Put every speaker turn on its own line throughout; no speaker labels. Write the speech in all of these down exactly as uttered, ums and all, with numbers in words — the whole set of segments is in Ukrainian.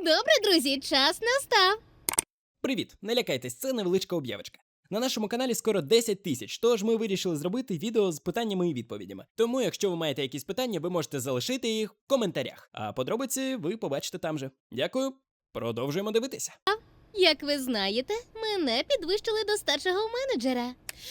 Добре, друзі, час настав.
Привіт! Не лякайтесь, це невеличка об'явочка. На нашому каналі скоро десять тисяч, тож ми вирішили зробити відео з питаннями і відповідями. Тому, якщо ви маєте якісь питання, ви можете залишити їх в коментарях. А подробиці ви побачите там же. Дякую, продовжуємо дивитися.
Як ви знаєте, мене підвищили до старшого менеджера.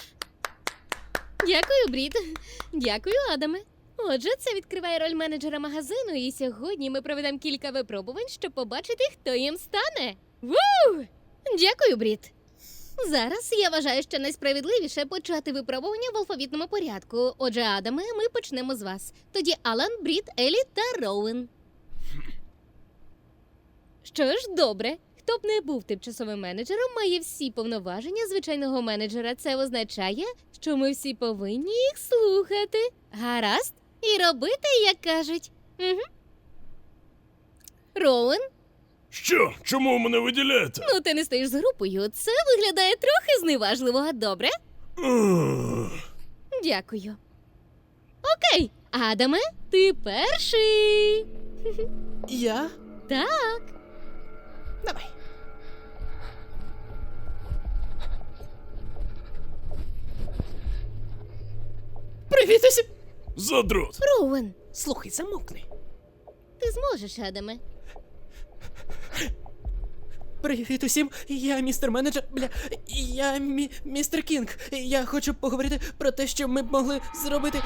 Дякую, Брід. Дякую, Адаме. Отже, це відкриває роль менеджера магазину, і сьогодні ми проведемо кілька випробувань, щоб побачити, хто їм стане. Ву! Дякую, Брід. Зараз я вважаю, що найсправедливіше почати випробування в алфавітному порядку. Отже, Адаме, ми почнемо з вас. Тоді Алан, Брід, Елі та Роуен. Що ж, добре. Хто б не був тимчасовим менеджером, має всі повноваження звичайного менеджера. Це означає, що ми всі повинні їх слухати. Гаразд? І робити, як кажуть. Угу. Роуен?
Що? Чому мене виділяєте?
Ну, ти не стоїш з групою. Це виглядає трохи зневажливо, добре?
Ух.
Дякую. Окей, Адаме, ти перший.
Я?
Так.
Давай. Привіт усім!
Задрот.
Роуен,
Слухай, замовкни.
ти зможеш, Адаме.
Привіт усім, я містер менеджер, бля, я мі, містер Кінг. Я хочу поговорити про те, що ми б могли зробити.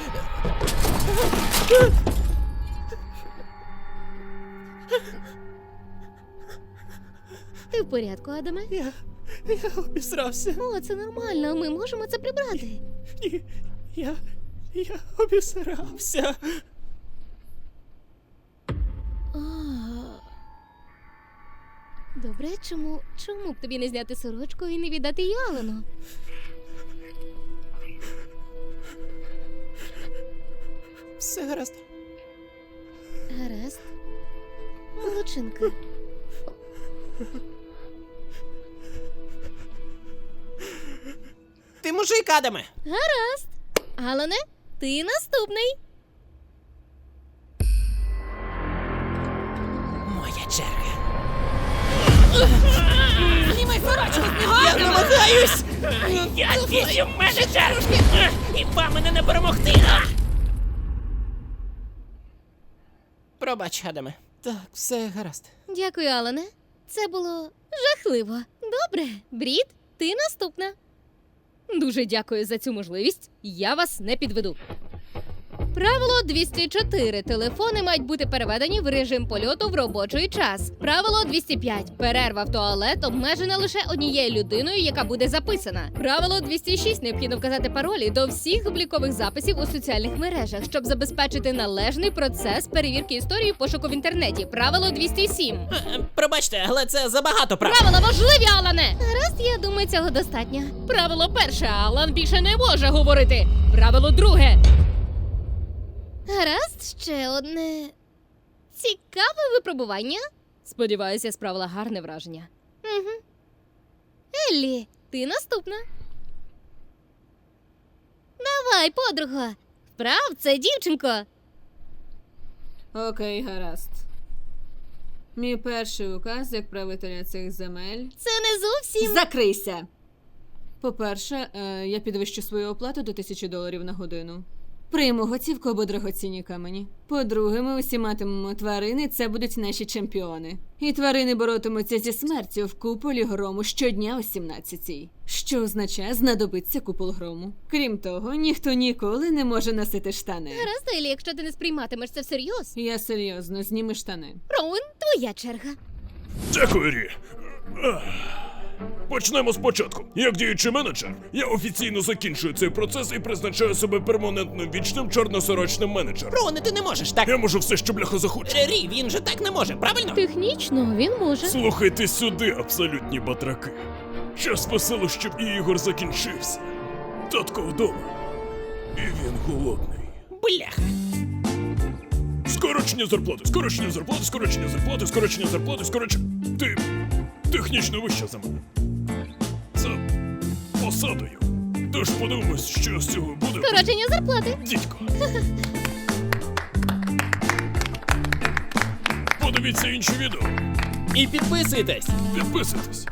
Ти в порядку, Адаме?
Я, я обісрався.
О, це нормально, ми можемо це прибрати.
Ні, я, я обісрався.
А. Добре, чому, чому б тобі не зняти сорочку і не віддати її Алану?
Все гаразд.
Гаразд. Молодчинка.
Ти мужик, Адаме.
Гаразд. Алане, ти наступний.
Моя черга. Знімай сорочку, я намагаюсь!
Я вісім менеджер! І вам мене не перемогти!
Пробач, Адаме. Так, все гаразд.
Дякую, Алане. Це було жахливо. Добре, Брід, ти наступна. Дуже дякую за цю можливість. Я вас не підведу. Правило двісті чотири. Телефони мають бути переведені в режим польоту в робочий час. Правило двісті п'ять. Перерва в туалет обмежена лише однією людиною, яка буде записана. Правило двісті шість. Необхідно вказати паролі до всіх облікових записів у соціальних мережах, щоб забезпечити належний процес перевірки історії пошуку в інтернеті. Правило двісті сім.
Пробачте, але це забагато прав.
Правила важливі, Алане! Гаразд, я думаю, цього достатньо. Правило перше. Алан більше не може говорити. Правило друге. Гаразд, ще одне цікаве випробування. Сподіваюся, я справила гарне враження. Угу. Еллі, ти наступна. Давай, подруга. Вправ, це дівчинко.
Окей, гаразд. Мій перший указ як правителя цих земель.
Це не зовсім...
Закрийся! По-перше, е, я підвищу свою оплату до тисячі доларів на годину. Прийму готівку або дорогоцінні камені. По-друге, ми усі матимемо тварини, це будуть наші чемпіони. І тварини боротимуться зі смертю в куполі грому щодня о сімнадцятій. Що означає, знадобиться купол грому. Крім того, ніхто ніколи не може носити штани.
Гаразд, Еллі, якщо ти не сприйматимеш це всерйоз.
Я серйозно, зніми штани.
Роуен, твоя черга.
Дякую, Рі. Ах. Почнемо спочатку. Як діючий менеджер, я офіційно закінчую цей процес і призначаю себе перманентно вічним чорносорочним менеджером.
Роуне, ти не можеш, так?
Я можу все, що бляха захочу.
Рі, він же так не може, правильно?
Технічно він може.
Слухайте сюди, абсолютні батраки. Час посилу, щоб і Ігор закінчився. Татко вдома. І він голодний.
Бляха.
Скорочення зарплати, скорочення зарплати, скорочення зарплати, скорочення зарплати, скорочення... Ти технічно вища за мене. За посадою. Тож подивимось, що з цього буде.
Скорочення зарплати.
Дідько. Подивіться інші відео.
І підписуйтесь!
Підписуйтесь.